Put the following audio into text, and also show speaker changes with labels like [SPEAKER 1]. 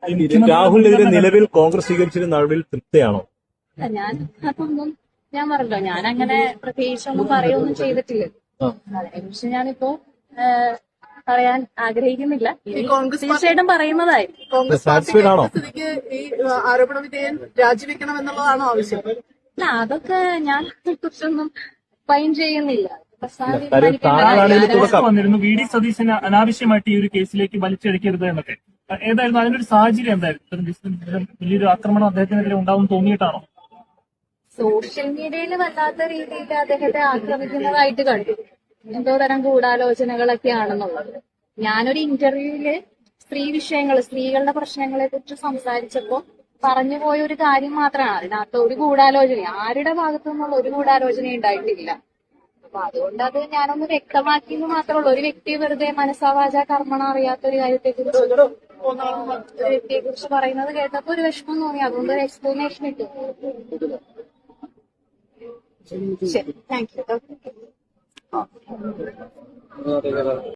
[SPEAKER 1] രാഹുലിനെതിരെ നിലവിൽ കോൺഗ്രസ് സ്വീകരിച്ചിരുന്ന നടപടിയിൽ തൃപ്തിയാണോ?
[SPEAKER 2] അതൊന്നും ഞാൻ പറഞ്ഞല്ലോ, ഞാൻ അങ്ങനെ പ്രത്യേകിച്ചൊന്നും പറയുകയൊന്നും ചെയ്തിട്ടില്ല. അതിനെക്കുറിച്ച് ഞാനിപ്പോ പറയാൻ ആഗ്രഹിക്കുന്നില്ല. തീർച്ചയായിട്ടും പറയുന്നതായി.
[SPEAKER 3] കോൺഗ്രസ് പാർട്ടിക്ക് ഈ ആരോപണ വിധേയൻ രാജിവെക്കണം എന്നുള്ളതാണോ ആവശ്യം?
[SPEAKER 2] അല്ല, അതൊക്കെ ഞാൻ കുറിച്ചൊന്നും ഫൈൻ ചെയ്യുന്നില്ല.
[SPEAKER 4] വന്നിരുന്നു വി ഡി സതീശന് അനാവശ്യമായിട്ട് ഈ ഒരു കേസിലേക്ക് വലിച്ചെടുക്കരുത് എന്നൊക്കെ. ഏതായിരുന്നു അതിനൊരു സാഹചര്യം എന്തായിരുന്നു? വലിയൊരു ആക്രമണം അദ്ദേഹത്തിനെതിരെ ഉണ്ടാവും തോന്നിയിട്ടാണോ?
[SPEAKER 2] സോഷ്യൽ മീഡിയയിൽ വല്ലാത്ത രീതിയിൽ അദ്ദേഹത്തെ ആക്രമിക്കുന്നതായിട്ട് കണ്ടു. എന്തോ തരം ഗൂഢാലോചനകളൊക്കെ ആണെന്നുള്ളത്. ഞാനൊരു ഇന്റർവ്യൂവില് സ്ത്രീകളുടെ പ്രശ്നങ്ങളെ കുറിച്ച് സംസാരിച്ചപ്പോ പറഞ്ഞു പോയ ഒരു കാര്യം മാത്രമാണ്. അതിനകത്ത് ഒരു ഗൂഢാലോചന ആരുടെ ഭാഗത്തു നിന്നുള്ള ഒരു ഗൂഢാലോചന ഉണ്ടായിട്ടില്ല. അപ്പൊ അതുകൊണ്ട് അത് ഞാനൊന്ന് വ്യക്തമാക്കിയെന്ന് മാത്രമേ ഉള്ളൂ. ഒരു വ്യക്തിയെ വെറുതെ മനസ്സാവാച കർമ്മണ അറിയാത്ത ഒരു വ്യക്തിയെ കുറിച്ച് പറയുന്നത് കേട്ടപ്പോ ഒരു വിഷമം തോന്നി. അതുകൊണ്ട് ഒരു എക്സ്പ്ലനേഷൻ ഇട്ടു. ശരി, താങ്ക് യു.